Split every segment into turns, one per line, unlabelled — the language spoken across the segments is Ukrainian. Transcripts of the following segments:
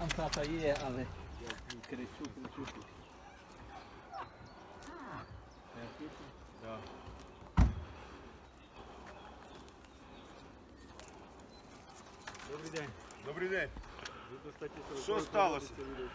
Там хата є, але кричу.
Добрий день. Добрий день. Що сталося?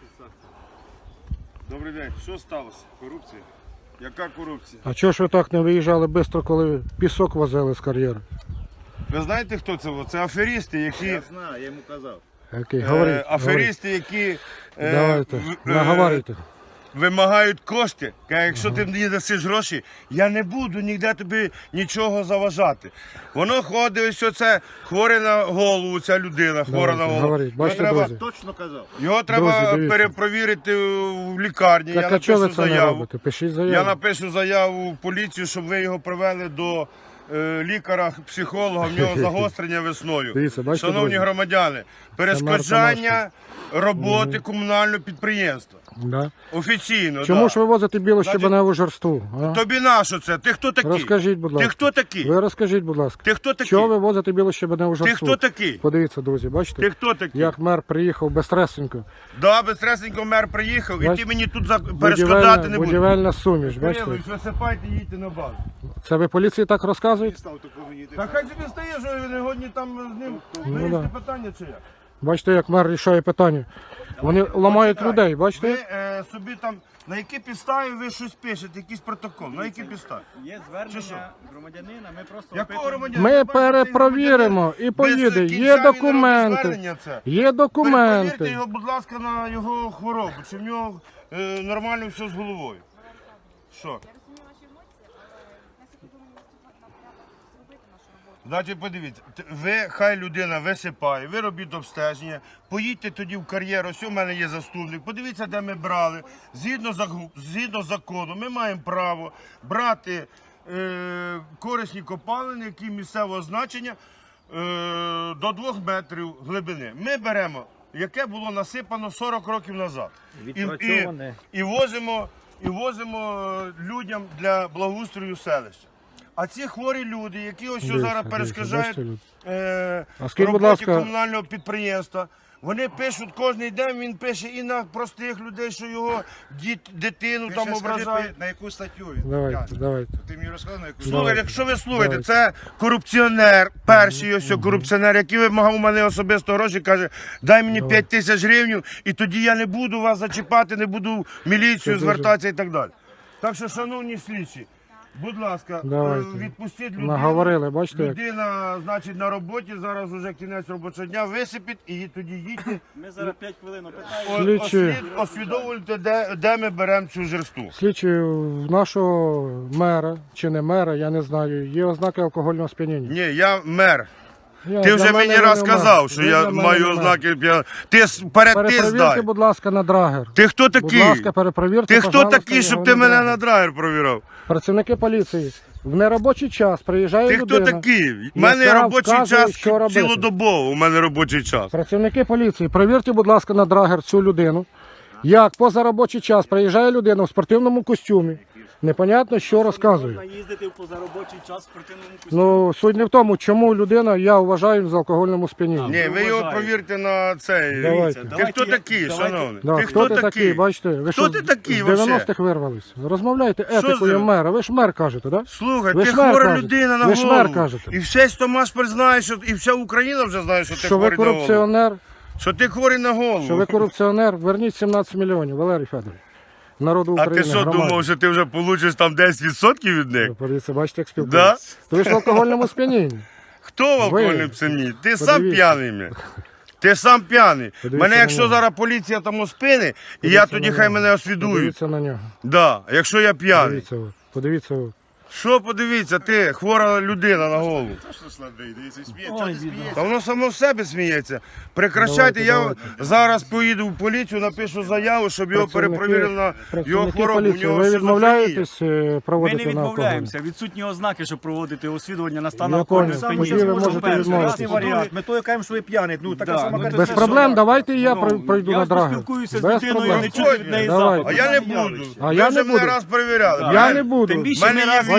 Добрий день. Що сталося? Корупція? Яка корупція?
А чого ж ви так не виїжджали швидко, коли пісок возили з кар'єру?
Ви знаєте, хто це? Це аферісти, які...
Я знаю, я йому казав.
Окей, говоріть,
аферісти, які
давайте, наговорюйте.
вимагають кошти. Каже, якщо ти мені дасиш гроші, я не буду ніде тобі нічого заважати. Воно ходить, ось оце хворе на голову, ця людина, хвора на голову.
Говоріть, бачите,
треба-
друзі?
Точно казав.
Його треба
Друзі, дивіться.
перепровірити в лікарні.
Так
Я
а чого ви
напишу
це не
заяву.
робите? Пишіть
Я
заяву.
напишу заяву в поліцію, щоб ви його привели до лікаря, психолога, в нього загострення весною.
Дивіться, бачите,
Шановні
друзі?
громадяни, перешкоджання роботи комунального підприємства.
Да.
Офіційно,
Чому
да.
ж ви возите білощебеневу жерству? А?
Тобі на що це? Ти хто такий?
Розкажіть, будь ласка.
Ти хто такий?
Ви розкажіть, будь ласка.
Ти хто такий?
Чого ви возите білощебеневу
Ти
жерству?
хто такий?
Подивіться, друзі, бачите?
Ти хто такий?
Як мер приїхав безстресенько.
Да, безстресенько мер приїхав, і
Бач-
ти мені тут перешкоджати не будеш.
Будівельна суміш, бачите?
Кирилович, висипайте, їдьте на базу.
Це ви поліції так розказуєте?
Став такого їде.
Та хай собі стає, що ви не годні там з ним вирішити питання чи як?
Бачите, як мер рішає питання. Вони ламають людей, бачите?
Ви собі там, на які підставі ви щось пишете, якийсь протокол, на які підстави?
Є
Чи що?
звернення громадянина, ми просто
Якого
опитуємо.
громадянина?
Ми
Ви бачите,
перепровіримо і
без
поїде.
кінця
Є
він робить
документи.
звернення це.
Є
Перевірте
документи.
його, будь ласка, на його хворобу, чи в нього нормально все з головою. Що?
Я розумію ваші емоції, але наскільки ви мені зробити нашу роботу?
Значить, подивіться, ви, хай людина висипає, ви робіть обстеження, поїдьте тоді в кар'єр, ось у мене є заступник, подивіться, де ми брали. Згідно закону ми маємо право брати корисні копалини, які місцевого значення до 2 метрів глибини. Ми беремо, яке було насипано 40 років назад.
Відпрацьоване.
І возимо людям для благоустрою селища. А ці хворі люди, які ось
Дивіться,
зараз
дивіться,
перешкоджають
бачите, люди? А скажіть, будь
роботі
ласка-
комунального підприємства, вони пишуть кожен день, він пише і на простих людей, що його дитину
Ти
там
ще скажи,
ображають.
на яку статтю він?
Давайте,
тягне.
давайте.
Ти мені розказав, на яку
Слухайте, якщо ви слухаєте,
Давайте.
це корупціонер, перший ось корупціонер, який вимагав у мене особисто гроші, каже, дай мені 5 тисяч гривень, і тоді я не буду вас зачіпати, не буду в міліцію
дуже-
звертатися і так далі. Так що, шановні слідчі, будь ласка,
Давайте.
відпустіть людину.
Наговорили, бачите, як?
Людина, значить, на роботі, зараз вже кінець робочого дня, висипіть і тоді їдьте.
Ми зараз 5 хвилин опитаємо.
Слідчі.
Освідомлюйте, де ми беремо цю жерсту.
Слідчі, в нашого мера чи не мера, я не знаю, є ознаки алкогольного сп'яніння.
Ні, я мер.
Я-
Ти
для
вже
мене
мені
ви
раз
не мер.
сказав, що
Ви
я
для мене
маю
не мер.
ознаки. Ти ти
Перепровірте,
здай.
будь ласка, на драгер.
Ти хто
Будь
такий?
ласка, перепровірте,
Ти хто
пожалуйста,
такий, щоб
його
ти
на
мене
драгер.
на драйвер провірав?
Працівники поліції. В неробочий час приїжджає
Ти хто
людина.
такий? У мене
яка
робочий
вказує,
час
що робити.
цілодобово. У мене робочий час.
Працівники поліції, перевірте, будь ласка, на драгер цю людину. Як позаробочий час приїжджає людина в спортивному костюмі. Непонятно, що розказує.
Можна їздити в позаробочий час в спортивному костюмі.
Ну, суть не в тому, чому людина, я вважаю, з алкогольному сп'янінні.
Ні, ви його
вважаю.
провірте на цей.
Давайте.
Ти хто такий, шановний?
Да,
Ти
хто ти такий, бачите? Ви
Хто
що,
ти такий
з
вообще?
90-х вирвались. Розмовляйте
Що
етикою
з-
мера. Ви ж мер кажете, так? Да?
Слухай,
Ви
ти
ж мер
хвора
кажете.
людина на
Ви ж
голову.
мер кажете.
І весь Томашпіль знає, що і вся Україна вже знає, що ти
Що ви
хворий на голову.
корупціонер,
Що ти хворий на голову.
що ви корупціонер, верніть 17 мільйонів, Валерій Федорович. Народу
А
України,
ти що
громаді.
думав, що ти вже получиш там 10% від них?
Подивіться, бачите, як спілкуєтеся. Ви ж в алкогольному сп'янінні.
Хто в алкогольному п'яні? Ти сам
Подивіться.
п'яний. Мє. Ти сам п'яний.
Подивіться
Мене
на
якщо
нього.
зараз поліція там спини, і я
Подивіться
тоді
на
хай
нього.
мене освідують.
Подивіться на нього.
Да, якщо я п'яний.
Подивіться ви. Подивіться ви.
Що подивіться, ти хвора людина на голову.
Точно слабий, дивіться, сміє. Чого ти смієшся?
Та воно само в себе сміється. Прекращайте, я
Давайте.
зараз поїду в поліцію, напишу заяву, щоб його перепровірили на його
Працівники
хворобу. У
поліції,
нього
ви
шизофренія.
відмовляєтесь
Ми
проводити
не
на алкоголь?
відмовляємося. Відсутні ознаки, щоб проводити освідування на стан
Я
алкогольного
понял.
сп'яніння.
Тоді ви можете
Перший,
відмовитися.
раз,
Варіант.
варіант.
Ми то кажемо, що ви п'яний. Ну, така
Да,
сама
ну,
картина.
Без проблем, давайте і я
Ну,
пройду
я
на драгер.
поспілкуюся з
Без
людиною,
проблем.
не чути від неї
Давайте.
запаху.
А я не буду.
А
Ви
я
вже
не
мене
буду.
раз перевіряли.
Я не буду.
Тим більше
Мене
ми
є
раз
відео.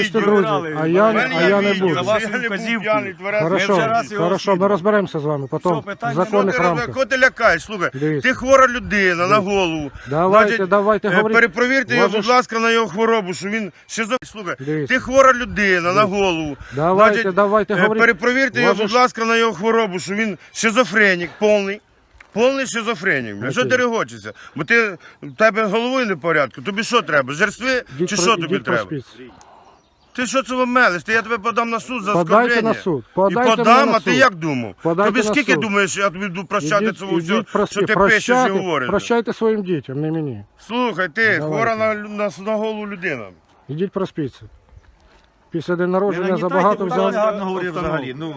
бачите,
відео.
друзі, а я
У мене є
не
відео,
буду.
За
що
вашу
я не був
вказівку.
п'яний, тверезий.
Хорошо,
вже раз його
хорошо, ми
розслідували.
розберемося з вами потім
Все, питань
в
нема.
законних рамках.
Кого ти лякаєш? Слухай,
Дивіться.
ти хвора людина на голову.
Давайте, говоріть.
Перепровірте його,
Може
будь
ж-
ласка, на його хворобу, що він Слухай,
Дивіться.
ти хвора людина на голову.
Давайте, говоріть.
Перепровірте його,
Може
будь
ж-
ласка, на його хворобу, що він шизофренік повний. Повний шизофренік. Бля. Що
Окей.
ти регочешся? Бо в тебе головою не в порядку. Тобі що треба? Жерстви чи що тобі
Ідіть
треба?
проспіться.
Ти що це мелиш? Я тебе подам на суд за
Подайте
оскорблення.
на суд.
І
Подайте мене
подам,
на
а ти
суд.
як думав?
Подайте
Тобі
на
скільки
суд.
думаєш, я тобі буду прощати цього всього,
Ідіть
що ти пишеш і говориш?
прощайте своїм дітям, не мені.
Слухай, ти
Давайте.
хвора на голову людина.
Ідіть проспіться. Після день народження
нагнітайте,
забагато
будь
взяв.
ласка.
Гарно говорив взагалі. Ну,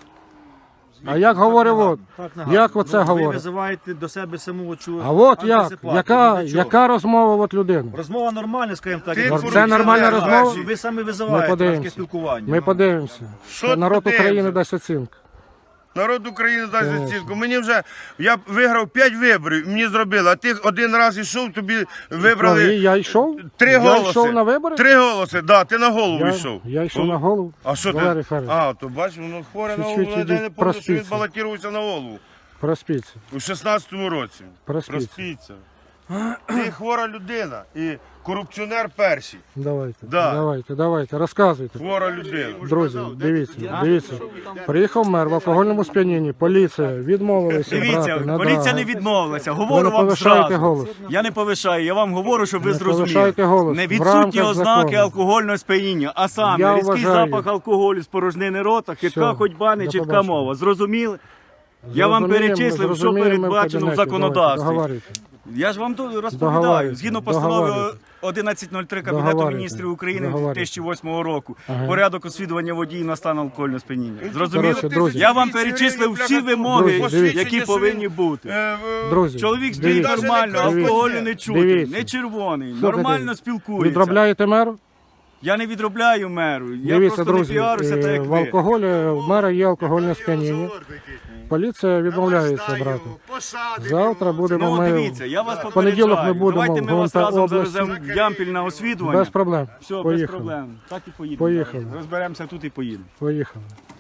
А як говорив от? Як оце
ви
говорить?
визиваєте до себе саму цю
А от як?
антисипатію.
Яка,
Для чого?
яка розмова от людини?
Розмова нормальна, скажімо так.
Ти
як
корупціонер,
Це нормальна
бачиш?
розмова?
Ви самі
Ми
визиваєте таке
подивимося.
спілкування.
Ми подивимося.
Що ти
Народ
подивимося?
України дасть оцінку.
Народ України дасть
Конечно.
оцінку. Мені вже, я виграв 5 виборів, мені зробили, а ти один раз йшов, тобі вибрали
Я йшов?
3
Я
голоси.
йшов на вибори?
3 голоси, да, ти на голову йшов.
Я йшов на голову.
А що
Валерій
ти?
Федорович,
А, то бачиш, воно хворе на
Чуть-чуть
голову, я не
ідіть,
пам'ятаю, що він
проспіться.
балотувався на голову.
проспіться.
У 16-му році.
Проспіться.
Проспіться. Ти хвора людина і корупціонер перший.
Давайте,
Да.
давайте, розказуйте.
Хвора людина.
Друзі, дивіться. Приїхав мер в алкогольному сп'янінні, поліція відмовилася
Дивіться,
брати на
поліція
драгер.
не відмовилася.
Ви
Говорю
не
вам
повишаєте
зразу.
голос.
Я не повишаю, я вам говорю, щоб ви
Не повишайте
зрозуміли.
голос.
Не
В
відсутні
рамках
ознаки
закону.
алкогольного сп'яніння, а саме
Я
різкий
вважаю.
запах алкоголю з порожнини рота, хитка
Все,
ходьба,
до
нечітка
побачення.
мова. Зрозуміли? Я вам
Зрозуміємо,
перечислив, що
зрозуміємо в
передбачено в
кабінеті.
законодавстві.
Давайте, договорюйте.
Я ж вам тут розповідаю.
Договарюйте,
Згідно постанови
договарюйте.
1103 Кабінету
Договарюйте,
міністрів України
договарюйте.
2008 року.
Ага.
Порядок освідування водіїв на стан алкогольного сп'яніння. Зрозуміли?
Коротше, друзі.
Я вам перечислив всі вимоги,
Друзі,
які повинні бути.
Друзі,
Чоловік стоїть
дивіться.
нормально,
Дивіться.
алкоголю не чути,
Дивіться.
не червоний,
Слухайте,
нормально спілкується.
Відробляєте меру?
Я не відробляю меру, я
Дивіться,
просто
друзі,
не піаруся, так як
в
ви.
алкоголі в мера є алкогольне сп'яніння. Поліція відмовляється брати. Завтра будемо
Ну,
ми
дивіться, я вас
в понеділок ми
попереджаю.
будемо
Давайте ми
в
вас
ГУНП
разом
області.
завеземо в Ямпіль на освідування.
Без проблем.
Все, без
Поїхали.
проблем. Так і поїдемо.
Поїхали.
Розберемося тут і поїдемо.
Поїхали.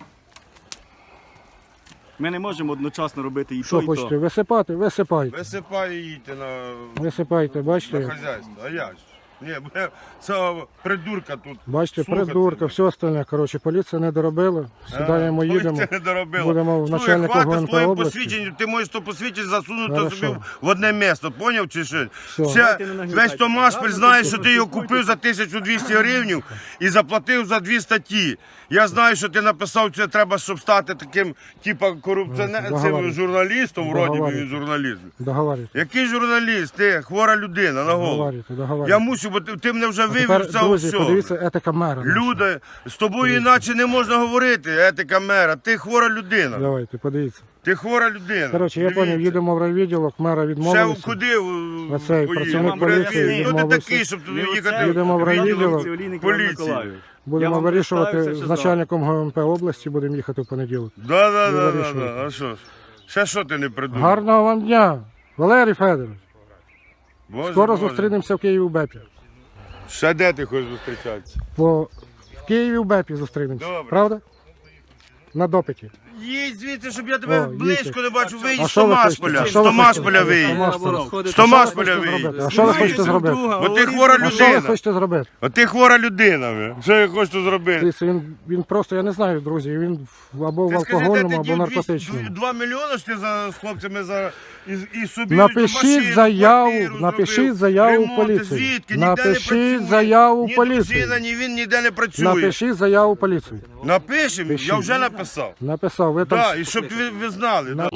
Ми не можемо одночасно робити і
Що
то, і
хочете?
то.
Висипати? Висипайте.
Висипай і їдьте на
Висипайте, бачите?
хазяйство. А я ж. Ні, бо це придурка тут.
Бачите,
слухати.
придурка, все остальне. Коротше, поліція не доробила. Сідаємо,
Ой,
їдемо.
ти не доробила.
Будемо в
Слухай,
начальника
хватить
ГУНП
своїм
області.
посвідченням, ти можеш то посвідчення засунути
Хорошо.
собі в одне місце, поняв чи що?
Все.
Давайте не нагнітайте.
Весь Томашпіль знає, що ти його купив за 1200 гривень і заплатив за 2 статті. Я знаю, що ти написав, це треба, щоб стати таким, типа, корупціонером,
Договорюсь.
журналістом, вроді би
Договорюсь.
він журналіст.
Договорюйте.
Який журналіст? Ти хвора людина на голову.
Договорюйте,
Я
договорюйте.
мусив, бо ти мене вже вивів
Тепер,
з цього
друзі,
всього.
подивіться, етика мера. наша.
Люди, з тобою іначе не можна говорити, етика мера. Ти хвора людина.
Давайте, подивіться.
Ти хвора людина.
Коротше, я
Дивіться.
зрозумів, їдемо в райвідділок, мера
Ще
відмовилися.
куди
Оцей працівник поліції
Хто ти
відмовився.
такий, щоб туди
Не
їхати?
оце,
Їдемо в райвідділок.
Олійник Іван
поліції.
Миколайович. Я
Будемо
вам
вирішувати
представився
з
зразу.
начальником ГУНП області, будемо їхати в понеділок.
Да.
вирішуйте.
А що ж? Ще що ти не придумав?
Гарного вам дня, Валерій Федорович.
Боже,
Скоро
Боже.
зустрінемося в Києві в БЕПі.
Ще де ти хочеш зустрічатися?
В Києві в БЕПі зустрінемося.
Добре.
Правда? На допиті.
Їдь звідси, щоб я тебе
О,
близько
їдьте.
не бачив. Виїдь
А
з
що ви хочете?
Томашполя.
А
З
що ви
Томашполя
хочете?
виїдь.
Томашполя.
З Томашполя
Що ви хочете
виїдь.
зробити? А що ви хочете зробити?
Бо ти хвора
А що ви
людина.
хочете зробити?
А ти хвора людина. ви. Що я хочу зробити?
Дивіться, він просто, я не знаю, друзі, він або в
Ти скажи, де
алкогольному,
ти
або
дів
наркотичному.
2 мільйони ж ти з хлопцями і собі
Напишіть
машину,
заяву,
квартиру
напишіть
зробив,
заяву в
ремонти.
поліцію.
Звідки? Ніде не
Напишіть
працює.
заяву в
Ні
поліцію.
дружина, ні він ніде не працює.
Напишіть заяву в поліцію.
Напишемо, я
Пишіть.
вже написав.
Написав, ви там.
Так, і щоб ви знали. да.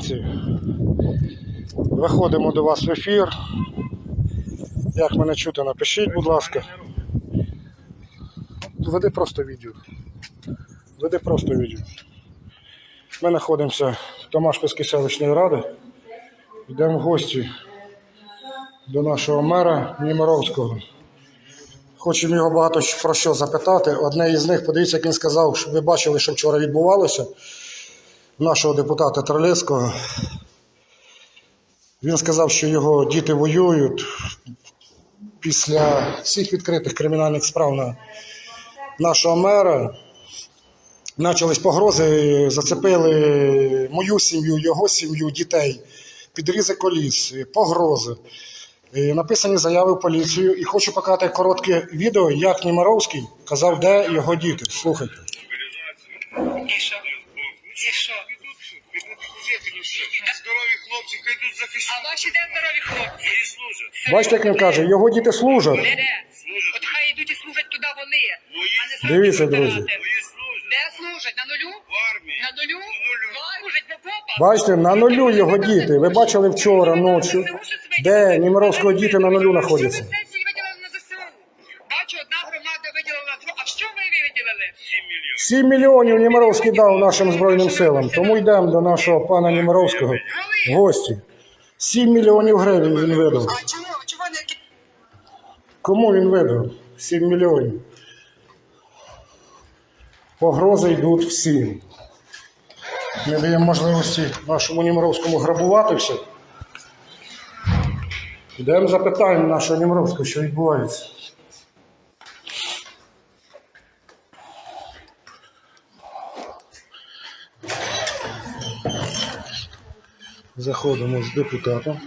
Виходимо до вас в ефір. Як мене чути, напишіть, будь ласка. Веди просто відео. Веди просто відео. Ми знаходимося в Томашпільській селищної ради. Йдемо в гості до нашого мера Німировського. Хочемо його багато про що запитати. Одне із них, подивіться, як він сказав, щоб ви бачили, що вчора відбувалося. Нашого депутата Тролецького. Він сказав, що його діти воюють після всіх відкритих кримінальних справ на нашого мера. Почались погрози, зацепили мою сім'ю, його сім'ю, дітей, підрізи коліс, погрози. Написані заяви в поліцію. І хочу показати коротке відео, як Немировський казав, де його діти. Слухайте.
І що?
Здорові хлопці, хай тут захищають.
А ваші де здорові хлопці?
І служать.
Бачите, як він каже, його діти служать.
Де? От хай йдуть і служать туди вони. А не самі
Дивіться,
втирати.
друзі.
Мої служать.
Де служать? На нулю?
В армії.
На нулю? Служать в окопах?
Бачите, на нулю його діти. Ви бачили вчора ночі, де Немировського діти на нулю знаходяться.
Що ви сесії виділили на ЗСУ? Бачу, одна громада виділила, а що ви виділили?
7 мільйонів Немировський дав нашим Збройним силам. Тому йдемо до нашого пана Немировського в гості. 7 мільйонів гривень він видав.
А чому? Чого не...
Кому він видав? 7 мільйонів. Погрози йдуть всім. Не даємо можливості нашому Немировському грабувати все. Йдемо запитаємо нашого Немировського, що відбувається. Заходимо з депутатом.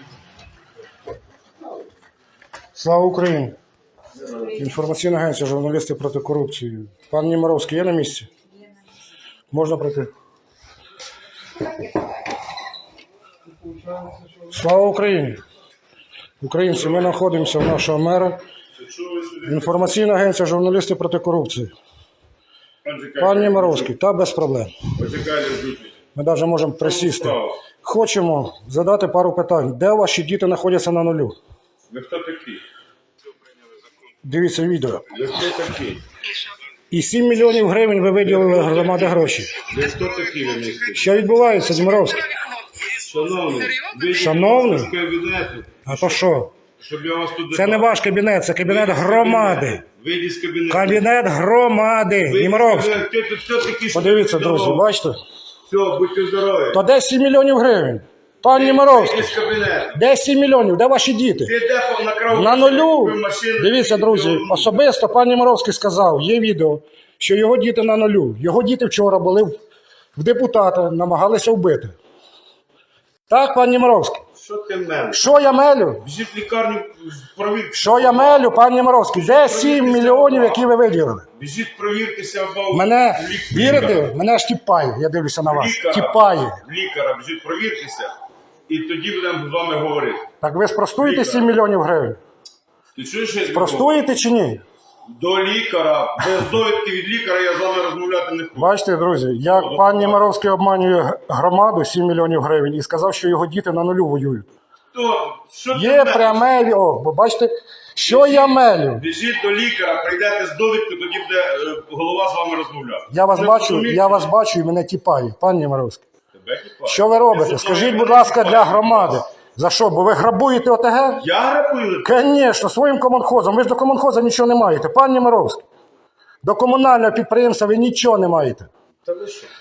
Слава Україні! Інформаційна агенція «Журналісти проти корупції». Пан Немировський є на місці? Можна пройти? Слава Україні! Українці, ми знаходимося в нашого мера. Інформаційна агенція «Журналісти проти корупції». Пан Немировський, та без проблем. Ми навіть можемо присісти. Хочемо задати пару питань. Де ваші діти знаходяться на нулю?
Ви хто такі?
Дивіться відео.
Ви хто такі?
І 7 мільйонів гривень ви виділили громаді гроші.
Ви хто такі ви місті?
Що відбувається, Немировський?
Шановний, ви
Шановний?
з кабінету,
А то що?
щоб я вас тут...
Це не ваш кабінет, це кабінет громади.
Вийдіть з кабінету.
Кабінет громади.
Вийдіть з
Немировський.
кабінету. Ти тут хто такий, що
Подивіться,
ти
друзі,
здоров?
бачите?
Все, будьте здорові.
То де 7 мільйонів гривень? Пан Немировський,
Вийдіть з кабінету.
де 7 мільйонів? Де ваші діти?
Ти де накрав?
На нулю.
Машину.
Дивіться, друзі, особисто пан Немировський сказав, є відео, що його діти на нулю. Його діти вчора були в депутата, намагалися вбити. Так, пан Немировський?
Що ти мене?
Що я мелю?
Біжіть в лікарню, провірте.
Що я мелю, пан Немировський? Де 7 мільйонів, які ви виділили?
Біжіть, провіртеся в
Мене, вірите, мене ж тіпає, я дивлюся на вас.
Лікаря.
Тіпає.
Лікаря, біжіть, провіртеся. І тоді будемо з вами говорити.
Так ви спростуєте 7 мільйонів гривень?
Ти чуєш, що я тобі
Простуєте чи ні?
говорю? До лікаря, без довідки від лікаря я з вами розмовляти не хочу.
Бачите, друзі, як пан Немировський обманює громаду 7 мільйонів гривень і сказав, що його діти на нулю воюють.
То, що ти
Є
мене?
пряме, бо бачите, що я мелю?
Біжіть до лікаря, прийдете з довідкою, тоді буде голова з вами розмовляти.
Я вас
Ви
бачу,
розумієте?
я вас бачу і мене тіпає, пан Немировський.
Тебе тіпає.
Що ви робите? Скажіть, будь ласка, для громади. За що? Бо ви грабуєте ОТГ?
Я грабую?
Звісно, своїм комунхозом. Ви ж до комунхоза нічого не маєте. Пан Немировський, до комунального підприємства ви нічого не маєте.
Та ви що?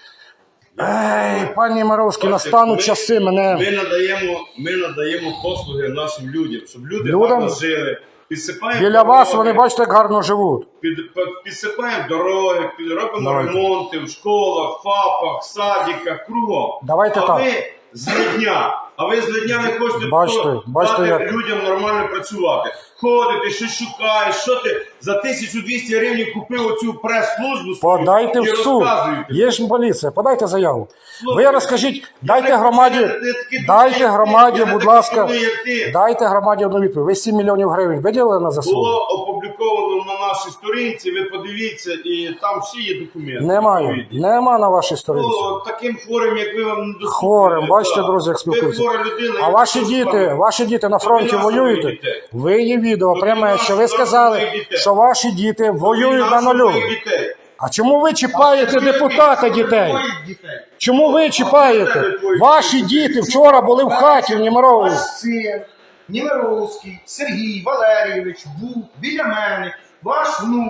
Ей, пан Немировський, настануть часи мене.
Ми надаємо послуги нашим людям, щоб люди
Людям?
гарно жили. Підсипаємо
Біля
дороги,
вас вони, бачите, як гарно живуть.
підсипаємо дороги, робимо
Давайте.
ремонти в школах, ФАПах, садиках, кругом.
Давайте
а
так.
Ви з дня не хочете
Бачите,
дати
як.
людям нормально працювати. Ходите, щось шукаєш, що ти за 1200 гривень купив оцю прес-службу свою
Подайте
і
в суд.
розказуєте.
Є ж поліція, подайте заяву.
Слухайте,
Ви розкажіть,
я
дайте
не
громаді,
хочу, я такий
дайте
дурний,
громаді,
я не
будь
такий
ласка,
дурний, як ти.
дайте громаді одну відповідь. Ви 7 мільйонів гривень виділили на ЗСУ?
Було опубліковано на нашій сторінці, ви подивіться, і там всі є документи.
Немає, нема на вашій сторінці.
Ну, таким хворим, як ви, вам не доступно.
Хворим, бачите, друзі, як спілкуються.
Ви хвора людина,
А
я
ваші діти на фронті воюєте? Ви є відео пряме, що ви сказали, що ваші діти воюють на нулю. А чому ви чіпаєте депутата дітей? Чому ви чіпаєте? Ваші діти вчора були в хаті в Немирові.
Ваш син Немировський Сергій Валерійович був біля мене, ваш внук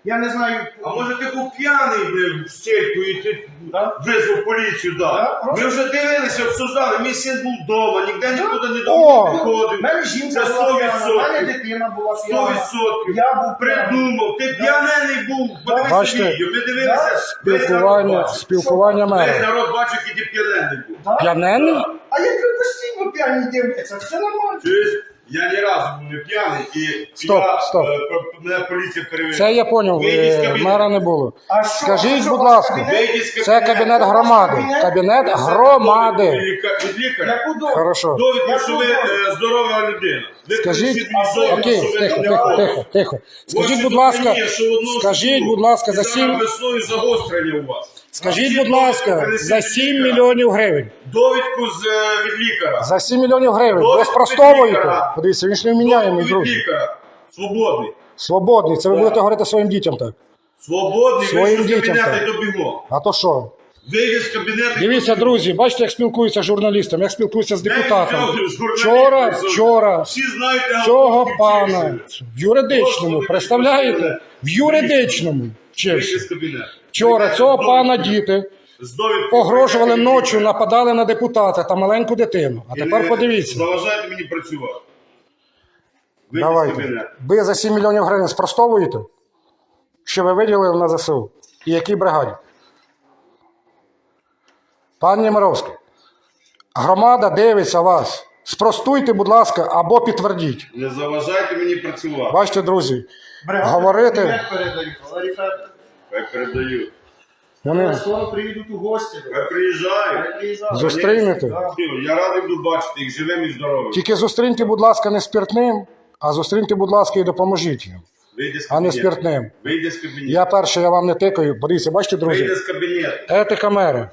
Я не знаю.
А може ти був п'яний в стельку і ти визвав поліцію, да? Ми вже дивилися, обсуждали, мій син був вдома, ніде нікуди не
О!
виходив.
У мене жінка
Це
була п'яна, у мене
100%.
дитина була
100%.
п'яна. Я був
Придумав, ти п'янений був, подивися
Бачите?
відео, ми дивилися, весь народ
Спілкування,
бачив.
спілкування
Весь
мера.
народ бачив, який ти п'янений був.
П'янений? А як ви постійно п'яні дивляться, це нормально.
Чуєш? Я ні разу був не п'яний і
Стоп, стоп.
мене поліція перевіряє.
Це я зрозумів,
Вийди з кабінету.
мера не було.
А що?
Скажіть,
Що,
будь
у вас
ласка,
кабінет?
Вийди з
це кабінет громади. Кабінет громади.
Від лікаря.
Яку довідку?
Хорошо.
Довідку, що ви здорова людина. Ви
Скажіть,
принесіть мені довідку,
окей,
що ви
тихо,
не
тихо,
хворі.
тихо, тихо. Скажіть,
Ось
будь
це
ласка,
зупиніє, що одного
скажіть,
суду.
будь ласка,
І
за
зараз
7,
весною загострення у вас.
скажіть,
Всі
будь ласка,
довідки принесіть
за
від
7
лікаря.
мільйонів гривень.
Довідку від лікаря.
За 7 мільйонів гривень. Ви
Довідку від
спростовуєте?
лікаря.
Подивіться, він ж не вміняємий,
Довідку від
друзі.
лікаря. Свободний.
Свободний. Це ви будете говорити своїм дітям так.
Свободний,
Своїм
вийшов з
дітям
кабінету
так.
і добігло.
А то що?
Вийди з кабінету.
Дивіться, друзі, бачите, як спілкуються з журналістом, як спілкуються з депутатами.
Вчора.
Вчора
Всі знають,
цього пана в юридичному, представляєте? В юридичному
Вийди
вчився.
з кабінету.
Вчора цього пана діти
З довідкою.
погрожували ночі, нападали на депутата та маленьку дитину. А тепер подивіться.
Заважайте мені працювати. Вийди з
Давайте.
кабінету.
Ви за 7 мільйонів гривень спростовуєте, що ви виділили на ЗСУ? І якій бригаді? Пан Нємировський, громада дивиться вас. Спростуйте, будь ласка, або підтвердіть.
Не заважайте мені працювати.
Бачите, друзі, говорити,
передають, Валерій Федорович.
Хай передаю.
вони
Скоро приїдуть у гості.
Хай приїжджають.
зустрінете.
Я радий буду бачити їх живим і здоровим.
Тільки зустріньте, будь ласка, не спиртним, а зустріньте, будь ласка, і допоможіть їм,
Вийди з
а не
кабінету.
спиртним.
Вийди з кабінету.
Я перше, я вам не тикаю. Подивіться, бачите, друзі,
Вийди з кабінету.
етика мера.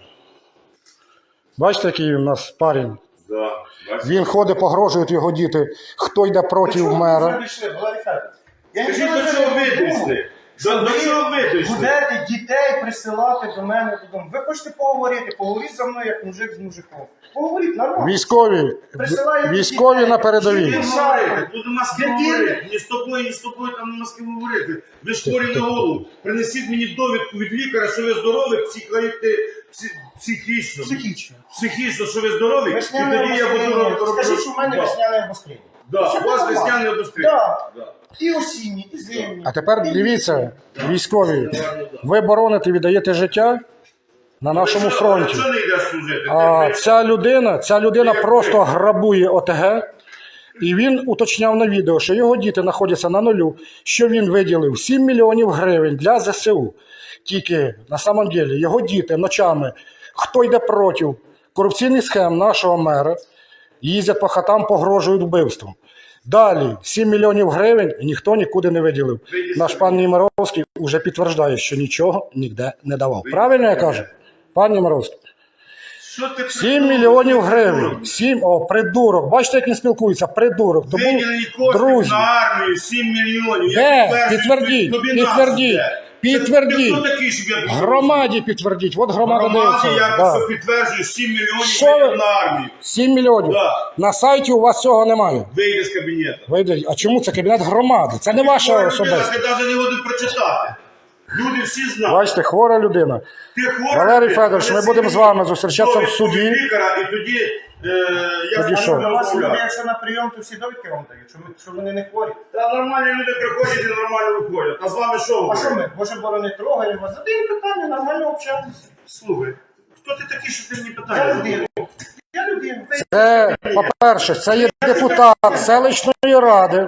Бачите, який у нас парень?
Да. Бачиш?
Він ходить, погрожують його діти. Хто йде проти мера?
Скажіть, до чого ви дійшли? До чого ви дійшли?
Будете дітей присилати до мене додому. Ви хочете поговорити, поговоріть за мною, як мужик з мужиком. Поговоріть нормально.
Військові на передовій.
Тут нема з ким говорити. Ні з тобою там нема з ким говорити. Ви ж хворі на голову. Принесіть мені довідку від лікаря, що ви здорові, психічно. Психічно, що ви здорові, і тоді я буду робити.
Скажіть, що в мене весняне обострення.
Да, у вас весняне обострення.
Так. І осінні, і зимні.
А тепер дивіться, військові, ви бороните, віддаєте життя на нашому фронті.
Чого не йдеш служити?
А ця людина просто грабує ОТГ. І він уточняв на відео, що його діти знаходяться на нулю, що він виділив 7 мільйонів гривень для ЗСУ. Тільки, на самом деле, його діти ночами, хто йде проти корупційних схем нашого мера, їздять по хатам, погрожують вбивством. Далі, 7 мільйонів гривень ніхто нікуди не виділив. Наш пан Нємировський вже підтверджує, що нічого ніде не давав. Правильно я кажу? Пан Нємировський. 7 мільйонів гривень. 7, придурок. Бачите, як він спілкується? Придурок. Тому,
Виділені кошти
друзі,
на армію 7 мільйонів.
де? Підтвердіть, підтвердіть, підтвердіть.
Хто такий, щоб я
Громаді підтвердіть. От громада
Громаді
дивиться.
я
Да.
це підтверджую 7 мільйонів
Що ви-
виділено на армію.
7 мільйонів.
Да.
На сайті у вас цього немає.
Вийди з кабінету.
Вийде. А чому це кабінет громади? Це не ваша
Хвора
особиста.
людина, ти навіть не годин прочитати. Люди всі знають.
Бачите, хвора людина.
Ти хвора
Валерій
людина,
Федорович, ми
принеси
будемо з
мені
вами зустрічатися в
довідку
суді.
від лікаря, і тоді я
Тоді
з
що?
вами
У вас люди,
розмовляю.
якщо на прийом, то всі довідки вам дають, що вони не хворі.
Та нормальні люди приходять і нормально виходять. А з вами що
А
говорять?
що ми? Боже борони, трогаємо вас. Задаємо питання, нормально общаємося.
Слухай, хто ти такий, що ти мені
Я
питання
людина.
задаєш?
Я людина.
Це, по-перше, це є депутат селищної ради.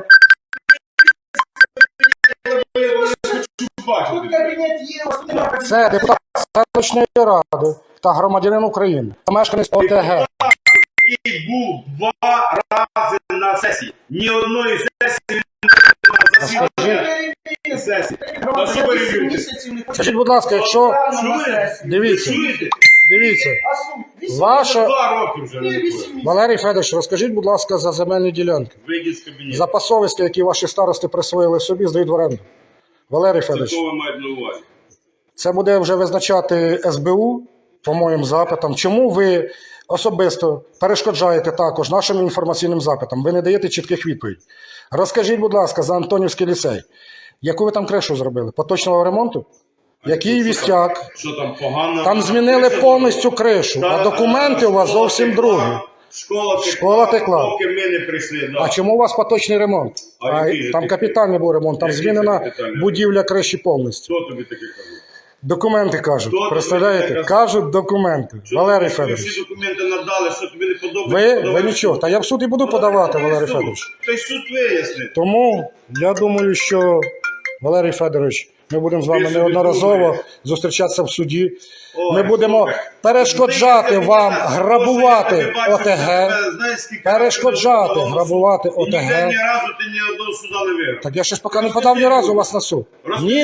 Тут кабінет є, ось тут немає.
Це депутат селищної ради та громадянин України. Та мешканець ОТГ.
І був 2 рази на сесії. Ні одної сесії на сесії. А що ви
Вісім
любите?
місяців не
Скажіть, будь ласка, якщо
на сесію.
дивіться,
Чуєте?
дивіться,
А суд? Вісім
ваша
2 роки вже не
місяців.
виходить.
8 місяців.
Валерій Федорович, розкажіть, будь ласка, за земельні ділянки.
Вийдіть з кабінету.
За пасовиська, які ваші старости присвоїли собі, здають в оренду. Валерій
Це
Федорович,
що ви маєте на увазі?
це буде вже визначати СБУ по моїм запитам. Чому ви особисто перешкоджаєте також нашим інформаційним запитам? Ви не даєте чітких відповідей. Розкажіть, будь ласка, за Антонівський ліцей. Яку ви там кришу зробили? Поточного ремонту? Який вістяк?
Що там погано?
Там змінили повністю кришу, а документи у вас зовсім другі. Школа текла.
Поки ми не прийшли, да.
А чому у вас поточний ремонт?
А який же
Там
такий?
капітальний був ремонт, там
Який
змінена
це капітальний?
будівля криші повністю.
Хто тобі таке казав?
Документи кажуть,
Хто
представляєте?
тобі таке казав?
Кажуть документи.
Що
Валерій
тобі
Федорович,
всі документи надали, що тобі не подобається?
ви нічого. Та я в суд і буду подавати, Валерій Федорович.
Той суд вияснить.
Тому я думаю, що Валерій Федорович, ми будемо з вами
Ви собі
неодноразово
думаєте.
зустрічатися в суді.
Ой,
Ми будемо
слухай,
перешкоджати
ви
вам
знаєте,
грабувати
я бачу,
ОТГ,
тебе, знаєш, скільки
перешкоджати
разів
грабувати
і ніде
ОТГ.
ні разу ти ні одного суда не виграв.
Так я ще ж поки не подав ні разу вас на суд.
Розкажи.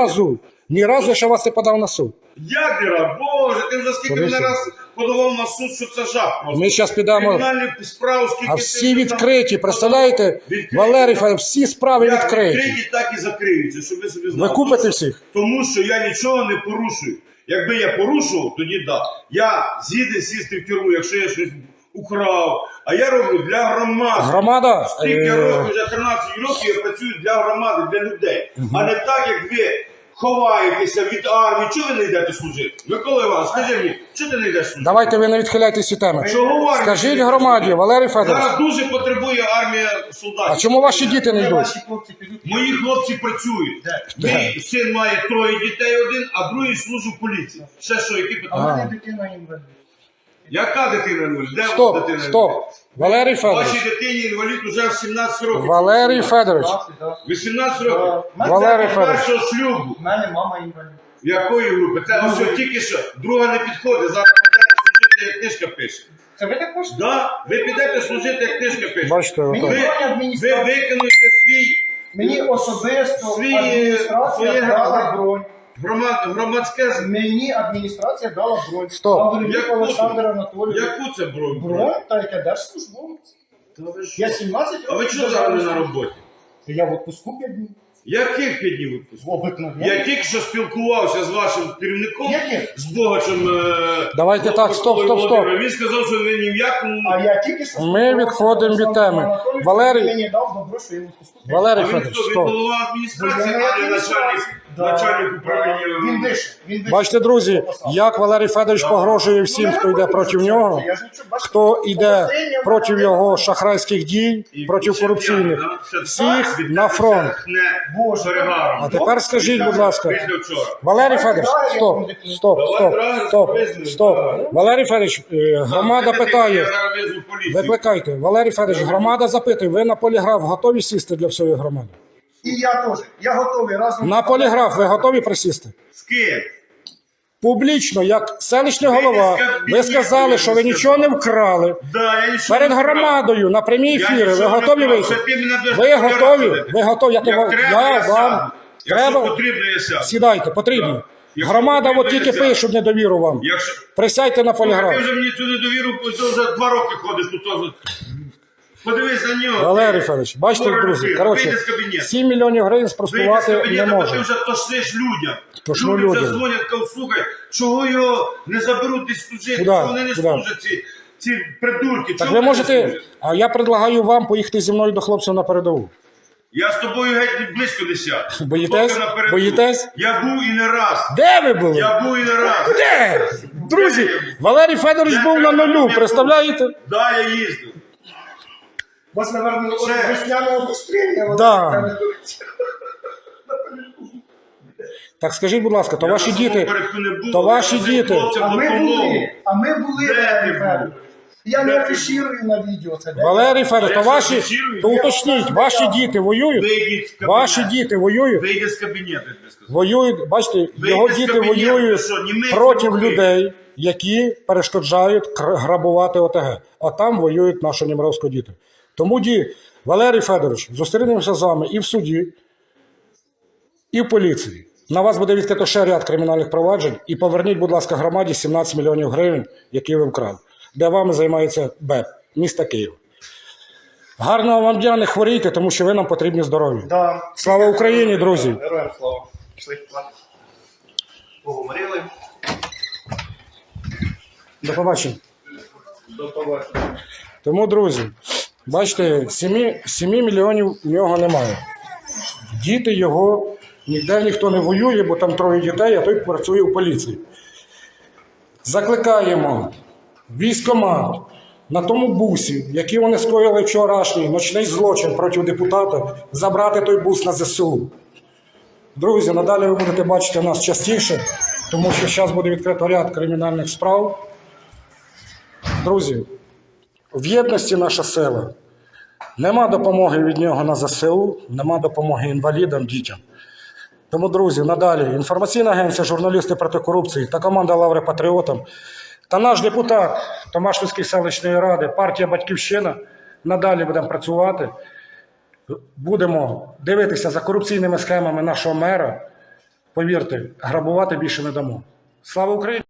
Ні разу я ще вас не подав на суд.
Як не раз? Боже, ти вже скільки
Подивися.
мене раз подавав на суд, що це жах просто.
Ми зараз підемо,
Кримінальні справи, скільки
а
ти
всі
там
відкриті, представляєте?
Відкриті.
Валерій Федорович, всі справи
Як
відкриті.
відкриті, так і закриються, щоб ви собі знали.
Ви купите всіх?
Тому що я нічого не порушую. Якби я порушував, тоді да. Я згідний сісти в тюрму, якщо я щось украв. А я роблю для громади.
Громада,
Скільки років, вже 13 років я працюю для громади, для людей. А не так, як ви ховаєтеся від армії. Чого ви не йдете служити? Микола Іванович, скажи мені, чого ти не йдеш служити?
давайте ви не відхиляйтесь від теми.
Чого в армії?
Скажіть громаді, Валерій Федорович,
Зараз дуже потребує армія солдатів.
а чому ваші діти не
Де
йдуть?
ваші хлопці підуть?
Мої хлопці працюють. Мій син має 3 дітей один, а другий служить в поліції. Ще що, які
А в
питання?
мене дитина інвалід.
Яка дитина інвалід? Де
Стоп,
дитина
стоп.
інвалід?
Валерій Федорович,
Вашій дитині інвалід уже в 17 років.
Валерій Федорович,
18 років.
Валерій
З
Федорович.
першого шлюбу.
У мене мама інвалід.
Якої групи? Це ось тільки що. Друга не підходить. Зараз підете служити, як книжка пише.
Це ви так хочете?
Да, ви підете служити, як книжка пише.
бачите,
Мені
отак.
броня
Ви
адміністрація.
виконуєте
Мені особисто
Свої-
адміністрація
своє
дала бронь.
громадське.
Мені адміністрація дала бронь.
Стоп.
Гаврилюк
Яку
Олександр
це?
Анатолійович.
Яку це бронь?
Бронь, та яке держслужбовець. Я 17
А ви
років
чого зараз не на роботі?
Я в відпуску 5 днів.
Яких 5 днів відпустку?
Обикновенно.
Я тільки що спілкувався з вашим керівником,
Яких?
з Богачем.
Давайте так, стоп, стоп, стоп.
Володимиром. Він сказав, що ви ні в якому.
А я тільки що
Ми відходимо від теми.
Валерій
Валерій-
мені дав добро, що я в відпуску.
Валерій
А він
Федорович,
хто? Він
стоп.
голова адміністрації,
Я
а не начальник управління.
Він дише. Він дише.
Бачите, друзі, як Валерій Федорович погрожує всім, хто йде проти нього,
Я ж нічого, бачите,
хто йде
посередньо
проти
мене
його шахрайських дій, проти корупційних. Всіх на фронт.
Боже.
Перегаром.
А тепер скажіть, будь ласка,
Після вчора.
Валерій Федорович, стоп, стоп. Валерій Федорович, громада
Я
питає,
зараз визву поліцію.
викликайте. Валерій Федорович, громада запитує, ви на поліграф готові сісти для всієї громади?
І я теж. Я готовий разом.
На поліграф ви готові присісти?
З ким?
Публічно, як селищний голова, ви сказали, що ви нічого не вкрали.
Да, я нічого
Перед
не вкрав.
громадою на прямій
Я
ефірі ви
нічого не
готові
вкрав.
вийти?
Це ти мене будеш
Ви готові?
розбирати.
Ви готові?
Як треба,
Я
сяду.
вам
Якщо
треба.
потрібно, я сяду.
Сідайте, потрібно.
Якщо
Громада
потрібно,
от тільки
я сяду.
пишуть недовіру вам.
Якщо...
Присядьте на
Ти
поліграф.
вже мені цю недовіру, ти вже 2 роки ходиш тут. Подивись на нього.
Валерій Федорович, бачите,
Ворог
друзі,
людина.
коротше,
Вийди з кабінету.
7 мільйонів гривень
Вийди з
спростувати не
кабінету, бо ти
може.
вже тошниш людям.
Тошну
Люди вже
людям.
дзвонять, кажуть, слухай, чого його не заберуть десь служити,
Куда?
чого вони не
Куда?
служать, ці придурки.
Так
чого
ви
вони не
можете,
служать?
а я предлагаю вам поїхати зі мною до хлопців на передову.
Я з тобою геть близько не сяду.
Боїтесь?
Поки напереду.
Боїтесь?
Я був і не раз.
Де ви були?
Я був і не раз.
Де? Друзі, Валерій Федорович був на нулю, представляєте?
Да, я їздив.
У вас, наверное,
Це-
весняне обострення.
Да. Так скажіть, будь ласка, то
Я
ваші
на
діти,
Соломперку не був,
то
я
ваші
просив
діти,
хлопцям
А ми
допомогу.
були,
Де ти
Валерій
був?
Федорович. Я
Де
не
ти
афіширую на відео це.
Валерій Федорович, то
Я
ваші,
афіширую?
то уточніть, ваші діти воюють?
Вийдіть з кабінету.
Ваші діти воюють?
Вийди з кабінету, я тобі сказав.
Воюють, бачите,
Вийди
його
з
діти
кабінету,
воюють
що, німець
проти
руки?
людей, які перешкоджають грабувати ОТГ. А там воюють наші німровські діти. Тому, Валерій Федорович, зустрінемося з вами і в суді, і в поліції. На вас буде відкрито ще ряд кримінальних проваджень. І поверніть, будь ласка, громаді 17 мільйонів гривень, які ви вкрали. Де вами займається БЕП, міста Києва. Гарного вам дня, не хворійте, тому що ви нам потрібні здорові.
Да.
Слава Україні, друзі!
Героям слава. Пішли. Поговорили.
До побачення.
До побачення.
Тому, друзі, бачите, 7 мільйонів у нього немає. Діти його Ніде ніхто не воює, бо там 3 дітей, а той працює в поліції. Закликаємо військкомат на тому бусі, який вони скоїли вчорашній ночний злочин проти депутата, забрати той бус на ЗСУ. Друзі, надалі ви будете бачити нас частіше, тому що зараз буде відкрито ряд кримінальних справ. Друзі, в єдності наша сила. Нема допомоги від нього на ЗСУ, нема допомоги інвалідам, дітям. Тому, друзі, надалі інформаційна агенція «Журналісти проти корупції» та команда «Лаври патріотам» та наш депутат Томашпільської селищної ради, партія «Батьківщина» надалі будемо працювати. Будемо дивитися за корупційними схемами нашого мера. Повірте, грабувати більше не дамо. Слава Україні!